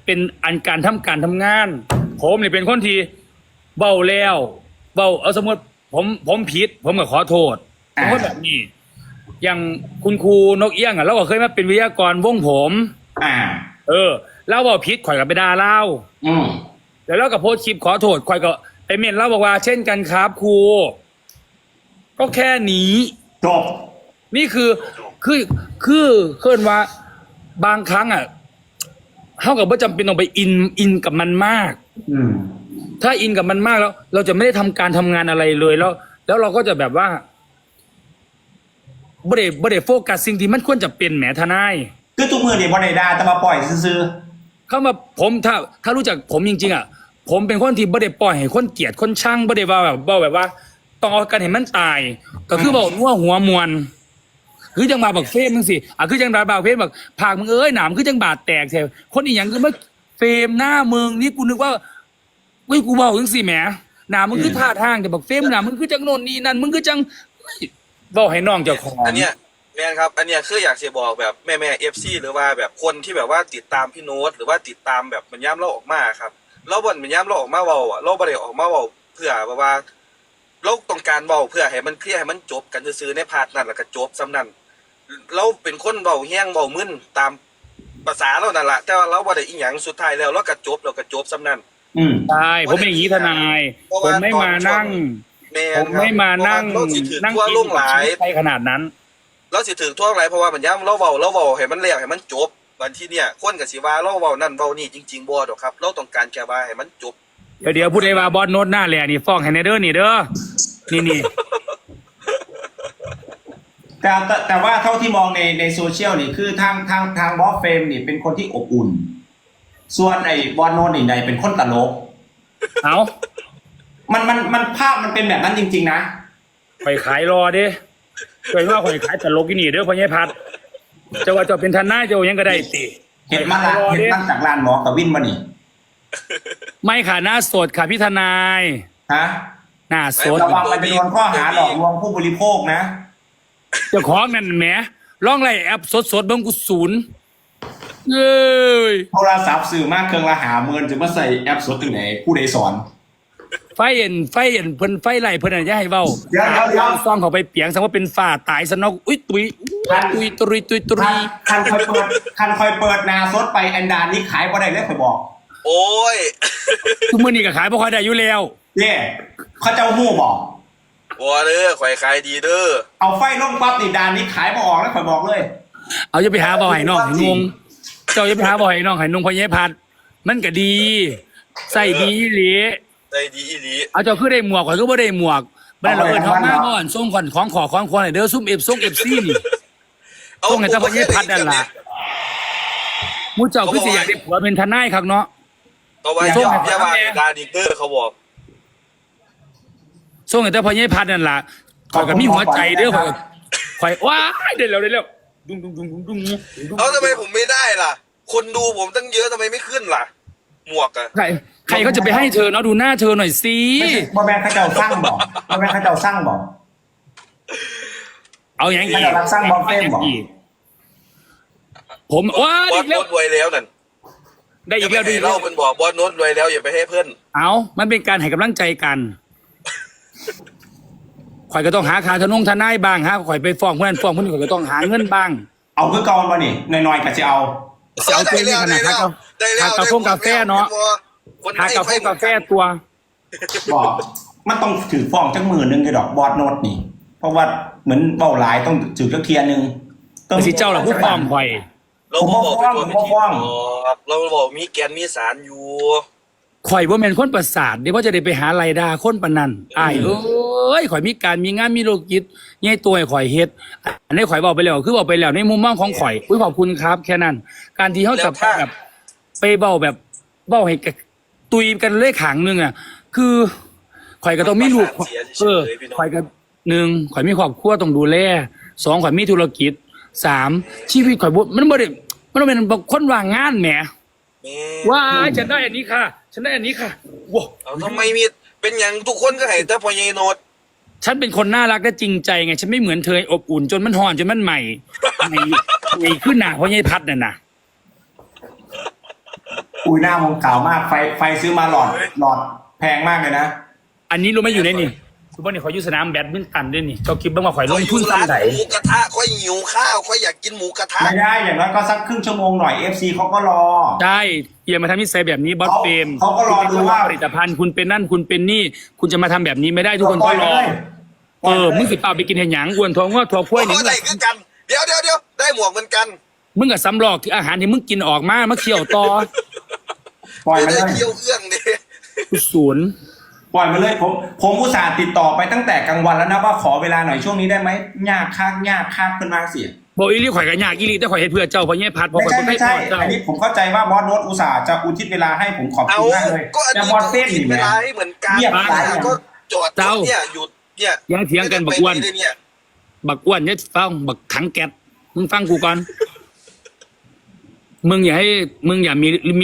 เป็นอันการทำงาน ผมเนี่ยเป็นคนที่เบาแล้วเบาเอาสมมติผมผิดผมก็ขอโทษผมก็แบบนี้อย่างคุณครูนกเอี้ยงอ่ะเราก็เคยมาเป็นวิทยากรวงผม แล้วบอกผิดข่อยกับไปด่าเล่าแล้วเราก็โพสต์คลิปขอโทษข่อยก็ไปเมนเล่าบอกว่าเช่นกันครับครูก็แค่นี้จบนี่คือเคลื่อนว่าบางครั้งอ่ะเท่ากับว่าจำเป็นต้องไปอินกับมันมากถ้าอินกับมันมากแล้ว เราจะไม่ได้ทำการทำงานอะไรเลยแล้วเราก็จะแบบว่าบ่ได้โฟกัสสิ่งที่มันควรจะเป็นแหมทนายคือทุกมือเนี่ยบอลไดดาแต่มาปล่อยซื้อเข้ามาผมถ้ารู้จักผมจริงๆอ่ะผมเป็นคนที่บ่ได้ปล่อยให้คนเกลียดคนช่างบ่ได้ว่าแบบว่าต้องเอากันเห็นมันตายก็คือบอกว่าหัวมวนคือจังบาบักเฟมมึงสิคือจังบาบักเฟมแบบผากมึงหนามคือจังบาดแตกแถวคนอีหยังคือมาเฟมหน้ามึงนี่กูนึกว่ากูบอกจังสิแหมหนามมึงคือท่าทางแต่บักเฟมหนามมึงคือจังโน่นนี่นั่นมึงคือจังบอกให้น้องเจ้าของอันเนี้ยแม่นครับอันเนี้ยคืออยากจะบอกแบบแม่FC หรือว่าแบบคนที่แบบว่าติดตามพี่โน้ตหรือว่าติดตามแบบมันย้ำเราออกมาครับเราบ่นมันย้ำเราออกมาเว้าอ่ะเราบ่ได้ออกมาเว้าเพื่อแบบว่าเราต้องการเว้าเพื่อให้มันเคลียร์ให้มันจบกันซื่อๆในพาร์ทนั้นแล้วก็จบซ้ำนั้นเราเป็นคนเว้าแห้งเว้ามึนตามภาษาเรานั่นแหละแต่ว่าเราบ่ได้อีหยังสุดท้ายแล้วเราก็จบซ้ำนั้นใช่ผมเป็นอย่างนี้ทนายผมไม่มานั่งผมไม่มานั่งทั่วลงหลายไปขนาดนั้นเราสิถึงทั่วหลายเพราะว่ามันย้ำเราเว้าให้มันแล้วให้มันจบวันที่เนี่ยคนก็สิว่าเราเว้านั่นเว้านี่จริงๆบ่ดอกครับเราต้องการแค่ว่าให้มันจบเดี๋ยวพูดได้ว่าบอสโน้ตหน้าแหล่นี่ฟ้องให้ในเด้อนี่เด้อนี่แต่ว่าเท่าที่มองในโซเชียลนี่คือทางบอสเฟรมนี่เป็นคนที่อบอุ่นส่วนไอ้บอสโน้ตนี่เป็นคนตลกมันภาพมันเป็นแบบนั้นจริงๆนะไปขายรอเด้เคยว่าคนขายตลกที่นี่เด้อพ่อใหญ่พัดจะว่าจะเป็นทนายจะยังก็ได้ติเห็นมาจากร้านหมอกับวินมานี่ไม่ค่ะหน้าสดค่ะพี่ทนายหน้าสดระวังมันจะโดนข้อหาหลอกลวงผู้บริโภคนะเจ้าของนั่นแหมร้องไรแอปสดเบิ่งกูศูนย์โทรศัพท์สื่อมากเครื่องละ50,000จะมาใส่แอปสดถึงไหนผู้ใดสอนไฟเอ็นเพิ่นไฟไหลเพิ่นอะไรจะให้เว้าเดี๋ยวซ่องเขาไปเปียงสังว่าเป็นฝ้าตายซะเนาะอุ้ยตุยคันคอยเปิดนาสดไปแอนดานี่ขายบ่ได้เลยข่อยบอกโอ้ยทุกมื้อนี้ก็ขายบ่ค่อยได้อยู่แล้วเนี่ยเขาเจ้าฮู้บอกบ่เด้อข่อยขายดีเด้อเอาไฟลงปั๊บนี่ดานนี้ขายบ่ออกแล้วข่อยบอกเลยเอาจะไปหาบ่อให้น้องให้งงเจ้าจะไปหาบ่อให้น้องให้นุ่งพ่อใหญ่พัดมันก็ดีใส่ดีอีหลีได้ดีอีหลีเอาเจ้าคือได้หมวกข่อยก็บ่ได้หมวกบ่ได้เราเอิ้นเฮามาบ่อนส่งของควให้เด้อซุ่มFC นี่ส่งให้เจ้าพ่อใหญ่พัดนั่นล่ะมูเจ้าคือสิอยากได้ผัวเป็นทนายครับเนาะก็ว่าส่งให้ว่าดาดิเตอร์เขาบอกส่งให้เจ้าพ่อใหญ่พัดนั่นล่ะข่อยก็มีหัวใจเด้อข่อยว้ายได้แล้วดุ้งเอาทำไมผมไม่ได้ล่ะคนดูผมตั้งเยอะทำไมไม่ขึ้นล่ะหมวกอะใครเขาจะไปให้เธอเนาะดูหน้าเธอหน่อยสิบ่แม่นเขาเจ้าสร้างบอกเอาอย่างอีกสร้างบอลเฟมบอกผมว้าบอสโน้ตรวยแล้วนั่นได้อีกแล้วเล่าเป็นบอกบอสโน้ตรวยแล้วอย่าไปให้เพื่อนเอามันเป็นการให้กำลังใจกันข่อยก็ต้องหาคาทนายบ้างฮะข่อยไปฟ้องเพื่อนข่อยก็ต้องหาเงินบ้างเอาคือเก่ามานี่น้อยๆก็จะเอาตัวนี้ขนาดกาแฟกาแฟเนาะหากาแฟตัวบอกมันต้องถือฟ้องจักมือนึงเลยดอกบอสโน้ตนี่เพราะว่าเหมือนเบ้าหลายต้องถือจักเทียนึงต้องสิเจ้าล่ะผู้ฟ้องข่อยเราบอกเราบอกมีแกนมีสารอยู่ข่อยว่าแม่นคนประสาทเดี๋ยวว่าจะได้ไปหาไรดาคนปานนั้นอ้ายข่อยมีการมีงานมีโลกิจใหญ่ตัวให้ข่อยเฮ็ดอันนี้ข่อยบอกไปแล้วคือบอกไปแล้วในมุมมองของข่อยขอบคุณครับแค่นั้นการที่เขาจะแบบไปเบ้าให้ตุยกันเลขขางนึงอ่ะคือข่อยก็ต้องมีลูกข่อยก็1ข่อยมีครอบครัวต้องดูแล2ข่อยมีธุรกิจ3ชีวิตข่อยมันบ่ได้มันเป็นคนว่างงานแหมว่าฉันได้อันนี้ค่ะว้าทำไมมีเป็นอย่างทุกคนก็ให้แต่พ่อใหญ่โน้ตฉันเป็นคนน่ารักและจริงใจไงฉันไม่เหมือนเธออบอุ่นจนมันห่อนจนมันใหม่ขึ้นหนาพ่อใหญ่พัดน่ะอุ้ยหน้าผมขาวมากไฟซื้อมาหลอดแพงมากเลยนะอันนี้รู้ไหมอยู่ในนี่ทุกวันนี้ขอยอยู่สนามแบดมินตันด้วยนี่เจ้าคิดบ้างว่าข่อยลงทุนร้านซ้ำไหนหมูกระทะค่อยหิวข้าวค่อยอยากกินหมูกระทะไม่ได้อย่างน้อยก็สักครึ่งชั่วโมงหน่อย FC เขาก็รอใช่อย่ามาทำนิสัยแบบนี้บอสเฟรมเขาก็รอดูว่าผลิตภัณฑ์คุณเป็นนั่นคุณเป็นนี่คุณจะมาทำแบบนี้ไม่ได้ทุกคนก็รอมึงสิเปล่าไปกินเห็นหยังอ้วนท้องว่าท้องพ้วยนี่โอ้ได้คือกัน เดี๋ยวได้หมวกเหมือนกันมึงกับสำรอกที่อาหารที่มึงกินออกมาเคี่ยวต่อปล่อยไม่มาได้เลยเคี่ยวเอื้องดิศูนย์ปล่อยมาเลยผมอุตส่าห์ติดต่อไปตั้งแต่กลางวันแล้วนะว่าขอเวลาหน่อยช่วงนี้ได้ไหมยากคักเป็นมาเสียบอกอีลี่ข่อยกันยากอีลี่แต่ข่อยเฮ็ดเพื่อเจ้าเพราะแง่พัดเพราะไม่ข่อยใช่บ่ไม่ได้ใช่พอเจ้าอันนี้ผมเข้าใจว่าบอสโน้ตอุตส่าห์จะอุทิศเวลาให้ผมขอบเอาคุณมากเลยก็อันแต่นี้บอสก็เต้นกินี่นเวแหลาละให้เหมือนกันเงียบไปก็จอดรถเนี่ยหยุดเนี่ยยังเถียงกันบักอ้วนไม่ได้เนี่ยบักอ้วนเนี่ยฟังบักถังแก๊สมึงฟังกูก่อนมึงอย่ามี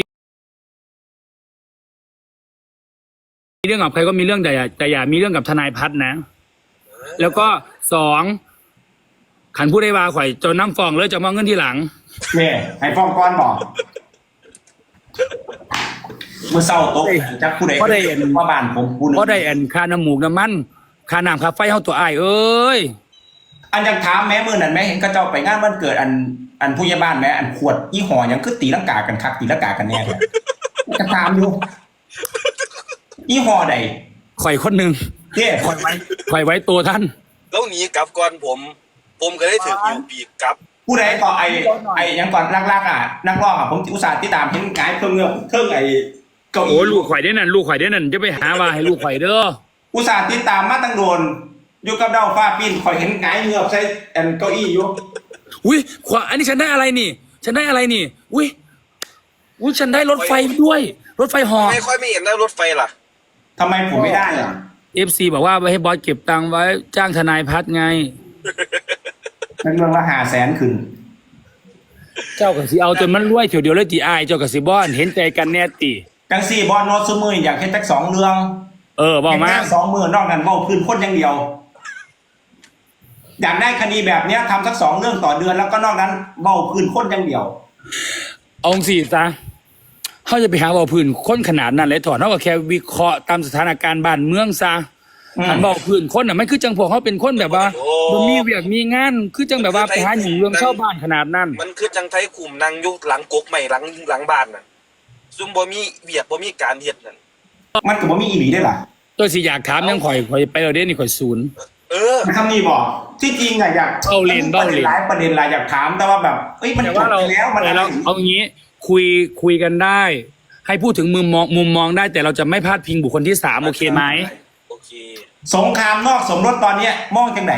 เรื่องกับใครก็มีเรื่องแต่อย่ามีเรื่องกับทนายพัฒน์นะ แล้วก็สองขันผู้ได้วาข่อยจนน้ำฟองเลยจะมองเงินที่หลังเนี่ยให้ฟ้องก้อนบอกเมื่อเศร้าโต๊ะจักผู้ใดเพราะได้เห็นว่าบ้านผมผู้หนึงเพราะได้อันค่าน้ำหมูกน้ำมันค่าน้ำค่าไฟเฮาตัวอ้ายเอ้ยอันยังถามแม่มือนั่นแม่เห็นก็เจ้าไปงานวันเกิดอันผู้ใหญ่บ้านแม่อันขวดยี่ห้อยังคือตีลังกากันคักตีลังกากันแน่เลยก็ถามอยู่ยี่ห้อใดข่อยคนหนึ่งเนี่ยข่อยไว้ตัวท่านแล้วหนีกลับก่อนผมก็ได้ถืออยู่ปีกกลับผู้ใดก็ไอ้ยังก่อนลากๆอ่ะนักร้องอ่ะผมอุตส่าห์ติดตามเห็นกายเครื่องเงือกเครื่องไอ้เก้าโอ้อี้ลูกข่อยได้นั่นลูกข่อยได้นั่นจะไปหาว่าให้ลูกข่อยเด้ออุตส่าห์ติดตามมาตั้งโดนอยู่กับเด้าฟ้าปิ้นคอยเห็นกายเงือกใส่อันเก้าอี้อยู่อุ้ยขวาอันนี้ฉันได้อะไรนี่ ฉันได้อะไรนี่ อุ้ยฉันได้รถไฟด้วย รถไฟเหอไม่ค่อยไม่เห็นแล้วรถไฟล่ะทำไมผมไม่ได้อ่ะ FC บอกว่าไว้ให้บอสเก็บตังค์ไว้จ้างทนายพัฒน์ไงเป็นเรื่องละ500,000ขึ้นเจ้ากับสิเอาจนมันรวยเถียวเดียวเลยตีอายเจ้ากับสิบอนเห็นใจกันแน่ตีจังสี่บอลโนตซุมืออยากเห็นจัก2 เรื่องบอกมาเห็นแค่2 มือนอกนั้นเว้าพื้นคนอย่างเดียว อยากได้คดีแบบเนี้ยทำสัก2 เรื่องต่อเดือนแล้วก็นอกนั้นเว้าพื้นคนอย่างเดียวเอาสิซะเขาจะไปหาว่าพื้นคนขนาดนั้นเลยถอดเขาก็แค่วิเคราะห์ตามสถานการณ์บ้านเมืองซะ หันบอกพื้นคนน่ะมันคือจังพวกเขาเป็นคนแบบว่าโอ้บ่มีเวียกมีงานคือจังแบบว่าไปหาหญิงเรื่องชาวบ้านขนาดนั้นมันคือจังไทยคุมนางอยุหลังกกใหม่หลังบ้านน่ะซุ่มบ่มีเวียกบ่มีการเฮ็ดนั่นมันก็บ่มีอีหลีได้ล่ะตัวสิอยากถามยังข่อยไปเราเด้นี่ข่อยศูนย์เออคำนี้บอกที่จริงอะอยากเบ้าเล่นประเด็นหลายประเด็นหลายอยากถามแต่ว่าแบบเอ้ยมันแต่จว่าบเราไปแล้วมันอะไรเอางี้คุยกันได้ ให้พูดถึงมุมมองได้ แต่เราจะไม่พาดพิงบุคคลที่สามโอเคไหมโอเคสงครามนอกสมรสตอนเนี้ยมองจังไหน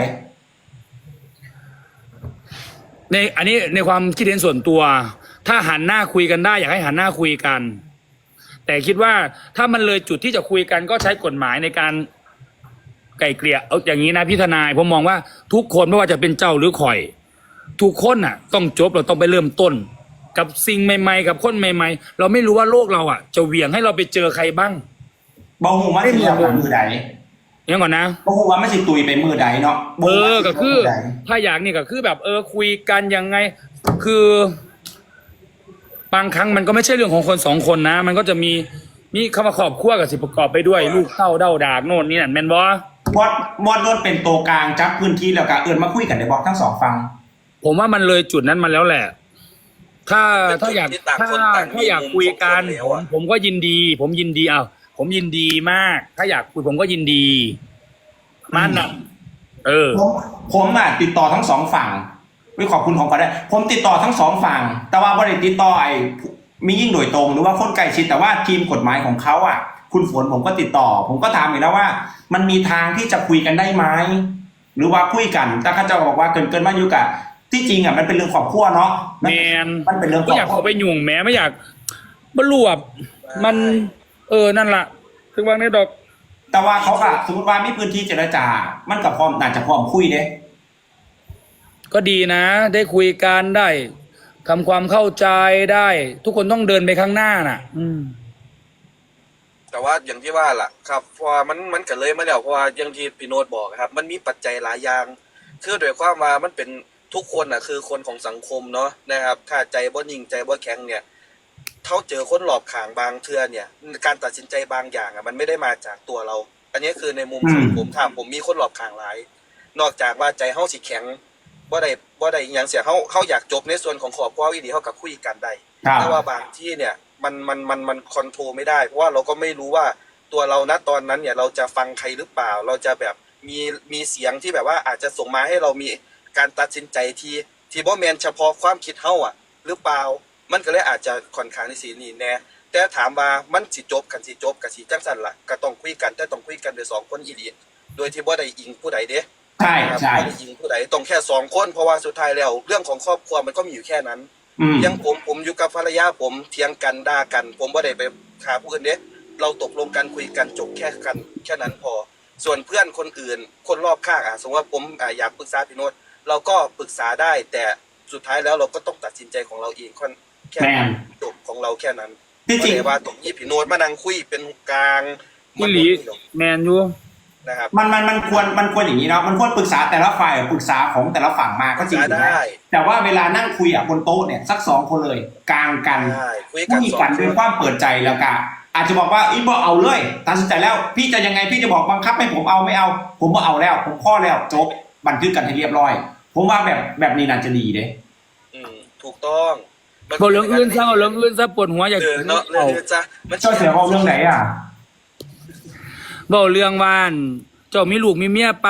อันนี้ในความคิดเห็นส่วนตัว ถ้าหันหน้าคุยกันได้ อยากให้หันหน้าคุยกัน แต่คิดว่าถ้ามันเลยจุดที่จะคุยกันก็ใช้กฎหมายในการไกล่เกลี่ยเอาอย่างนี้นะพี่ทนายผมมองว่าทุกคนไม่ว่าจะเป็นเจ้าหรือข่อย ทุกคนน่ะ ต้องจบเราต้องไปเริ่มต้น กับสิ่งใหม่ๆกับคนใหม่ๆ เราไม่รู้ว่าโลกเราอ่ะ จะเหวี่ยงให้เราไปเจอใครบ้างบ่ฮู้ว่าสิเอามือใดอย่างก่อนนะบ่ฮู้ว่ามันสิตุยไปมือใดเนาะบ่ฮู้ว่าสิก็คือมืใดถ้าอยากนี่ก็คือแบบคุยกันยังไง คือบางครั้งมันก็ไม่ใช่เรื่องของคนสองคนนะ มันก็จะมีคำว่าครอบครัวกับสิประกอบไปด้วย ลูกเต้าเด้าดากโน่นนี่นั่นแม่นบ่บอดโดนเป็นตัวกลางจับพื้นที่แล้วก็เอิ้นมาคุยกันได้บอกทั้งสองฝั่งผมว่ามันเลยจุดนั้นมาแล้วแหละ ถ้าอยากเป็นจุดที่ต่างถ้าคนต่างมีถ้าอยากคุยกันมุมของคนแล้วอะผมก็ยินดี ผมยินดีผมยินดีมาก ถ้าอยากคุยผมก็ยินดีมันน่ะผมอ่ะติดต่อทั้งสองฝั่งไม่ขอบคุณของก็ได้ ผมติดต่อทั้งสองฝั่ง แต่ว่าบริติดต่อมียิ่งโดยตรงหรือว่าคนใกล้ชิดแต่ว่าทีมกฎหมายของเขาอ่ะ คุณฝนผมก็ติดต่อ ผมก็ถามอยู่แล้วว่า มันมีทางที่จะคุยกันได้ไหมหรือว่าคุยกันแต่เขาจะบอกว่าเกินมาอยู่กับที่จริงอ่ะมันเป็นเรื่องครอบครัวเนาะแมนมันเป็นเรื่องครไม่อบอยากครัวเข้าไปยุ่งแม้ไม่อยากบรรลุแบบมันนั่นล่ะถึงวางในดอกแต่ว่าเขาอะสมมติว่ามีพื้นที่เจรจา มันกับพร้อมน่าจะพร้อมคุยเด้ก็ดีนะ ได้คุยกันได้ทำความเข้าใจได้ ทุกคนต้องเดินไปข้างหน้าน่ะแต่ว่าอย่างที่ว่าล่ะครับเพราะว่ามันก็เลยมาแล้วเพราะว่าอย่างที่พี่โน้ตบอกครับ มันมีปัจจัยหลายอย่างคือโดยความว่ามันเป็นทุกคนน่ะคือคนของสังคมเนาะนะครับถ้าใจบ่นิ่งใจบ่แข็งเนี่ยเขาเจอคนหลอบขางบางเทื่อเนี่ยการตัดสินใจบางอย่างมันไม่ได้มาจากตัวเรา อันนี้คือในมุมของผมถามผมมีคนหลอบขางหลาย นอกจากว่าใจเฮาสิแข็งบ่ได้อหย่างเสียเฮาอยากจบในส่วนของครอบครัวอีดีเฮากับคุยกันได้แต่ว่าบางที่เนี่ยมันคอนโทรลไม่ได้เพราะว่าเราก็ไม่รู้ว่าตัวเราณตอนนั้นเนี่ยเราจะฟังใครหรือเปล่าเราจะแบบมีเสียงที่แบบว่าอาจจะส่งมาให้เรามีการตัดสินใจที่บ่แม่นเฉพาะความคิดเฮาอ่ะหรือเปล่ามันก็เลยอาจจะค่อนข้างที่สินี่แน่แต่ถามว่ามันสิจบกันสิจบกันสิจังซั่นล่ะก็ต้องคุยกันแต่ต้องคุยกันด้วยสองคนอีหลีโดยที่บ่ได้อิงผู้ใดเด้ใช่ครับใช่ไม่ได้ยิงผู้ใดต้องแค่สองคนเพราะว่าสุดท้ายแล้วเรื่องของครอบครัวมันก็มีอยู่แค่นั้น ยังผมอยู่กับภรรยาผมเถียงกันด่ากัน ผมไม่ได้ไปฆ่าผู้อื่นเด้เราตกลงกันคุยกันจบแค่นั้นพอ ส่วนเพื่อนคนอื่นคนรอบข้างสมมติว่าผมอยากปรึกษาพี่โน้ตเราก็ปรึกษาได้ แต่สุดท้ายแล้วเราก็ต้องตัดสินใจของเราเองแค่จบของเราแค่นั้นที่จริงไม่ได้ว่าตรงนี้พี่โน้ตมานั่งคุยเป็นกลางอีหลีแมนอยู่นะครับมันควรอย่างนี้เนาะมันควรปรึกษาแต่ละฝ่ายปรึกษาของแต่ละฝั่งมาก็จริงได้แต่ว่าเวลานั่งคุยบนโต๊ะเนี่ยสัก2 คนเลยกลางกันได้คุยคุยกันด้วยความเปิดใจแล้วก็อาจจะบอกว่าอีบอกเอาเลยตัดสินใจแล้วพี่จะยังไงพี่จะบอกบังคับให้ผมเอาไม่เอา ผมบอกเอาแล้วผมข้อแล้วจบบันทึกกันให้เรียบร้อย ผมว่าแบบนี้น่าจะดีเด้ถูกต้องเอาเรื่องอื่นซะเอาเรื่องอื่นซะปวดหัวอยากเนาะเลยจ้ะมันเจ้าเสียเอาเรื่องไหนอ่ะบอกเรื่องว่านเจ้ามีลูกมีเมียไป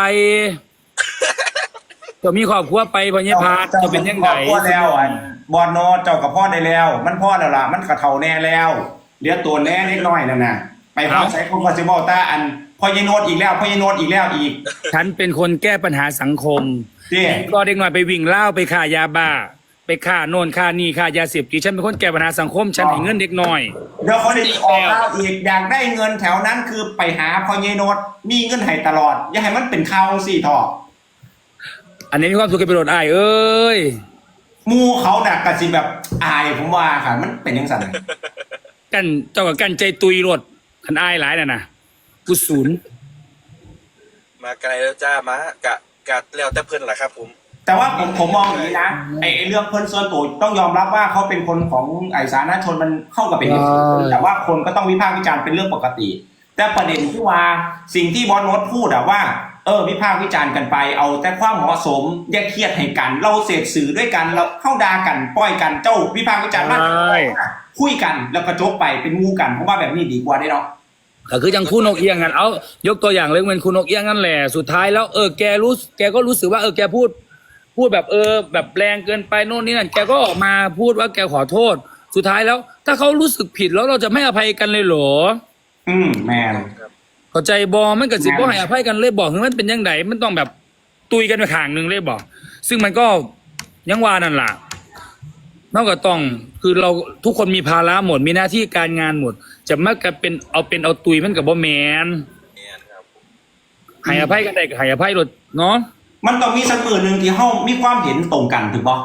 เจ้ามีครอบครัวไปพญพาเจ้าเป็นยังไงพ่อแล้วบอลโนเจ้ากับพ่อได้แล้ว มันพ่อแล้วล่ะมันกระเทาแน่แล้วเหลือตัวแน่เล็กน้อยนั่นน่ะไปหาใช้คนก็จะบอกตาอันพอยายโนดอีกแล้วพอยายโนดอีกแล้วอีกฉันเป็นคนแก้ปัญหาสังคมที่ก็เด็กหน่อยไปวิ่งเล่าไปฆ่ายาบ้า ไปฆ่าโน่นฆ่านี่ฆ่ายาเสพติดฉันเป็นคนแก้ปัญหาสังคมฉันให้เงินเด็กน้อยเดี๋ยวเขาได้ออกข่าวอีกอยากได้เงินแถวนั้นคือไปหาพอยายโนดมีเงินให้ตลอด อย่าให้มันเป็นข่าวสี่ทออันนี้มีความสุขกับประโยชน์อ้ายเอ้ยมูเขาน่ะกะสิแบบอายผมว่าค่ะมันเป็นยังไงกันเจ้ากับกันใจตุยรถคันอ้ายหลายน่ะนะกูศูนย์มาไกลแล้วจ้ามากะแล้วแต่เพิ่นแหละครับผมแต่ว่าผมมองอย่างนี้นะไอ้เรื่องเพิ่นส่วนตัวต้องยอมรับว่าเขาเป็นคนของไอ้สาธารณชนมันเข้ากับเป็นเหตุผลแต่ว่าคนก็ต้องวิพากษ์วิจารณ์เป็นเรื่องปกติ แต่ประเด็นที่ว่าสิ่งที่บอสโนตพูดว่าวิพากษ์วิจารณ์กันไปเอาแต่ความเหมาะสมอย่าเครียดให้กันเราเสพสื่อด้วยกันเราเข้าด่ากันปล่อยกันเจ้าวิพากษ์วิจารณ์มากคุยกันแล้วก็จบไปเป็นงูกันเพราะว่าแบบนี้ดีกว่าได้เนาะก็คือจังคู่นกเอี้ยงกันเอายกตัวอย่างเลยเป็นคู่นกเอี้ยงนั่นแหละสุดท้ายแล้วแกก็รู้สึกว่าแกพูดแบบแบบแรงเกินไปโน่นนี่นั่นแกก็ออกมาพูดว่าแกขอโทษสุดท้ายแล้ว ถ้าเขารู้สึกผิดแล้วเราจะไม่อภัยกันเลยเหรอแมนเข้าใจบอมันก็สิบ่ให้อภัยกันเลยบอกคือมันเป็นยังไงมันต้องแบบตุยกันไปข้างหนึงเลยบอกซึ่งมันก็ยังว่านั่นล่ะนอกจากต้องคือเราทุกคนมีภาระหมดมีหน้าที่การงานหมด จะมักจะเป็นเอาตุยมันกับบ่แมนเนี่ยครับผมให้อภัยกันได้ก็ให้อภัยรถเนาะมันต้องมีสักมือหนึ่งที่เฮามีความเห็นตรงกันถูกป่ะ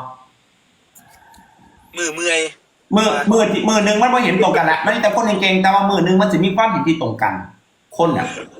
เมื่อยมือหนึ่งมันไม่เห็นตรงกันแหละมันแต่คนเก่งๆแต่ว่ามือหนึ่งมันจะมีความเห็นที่ตรงกัน คนเนี่ย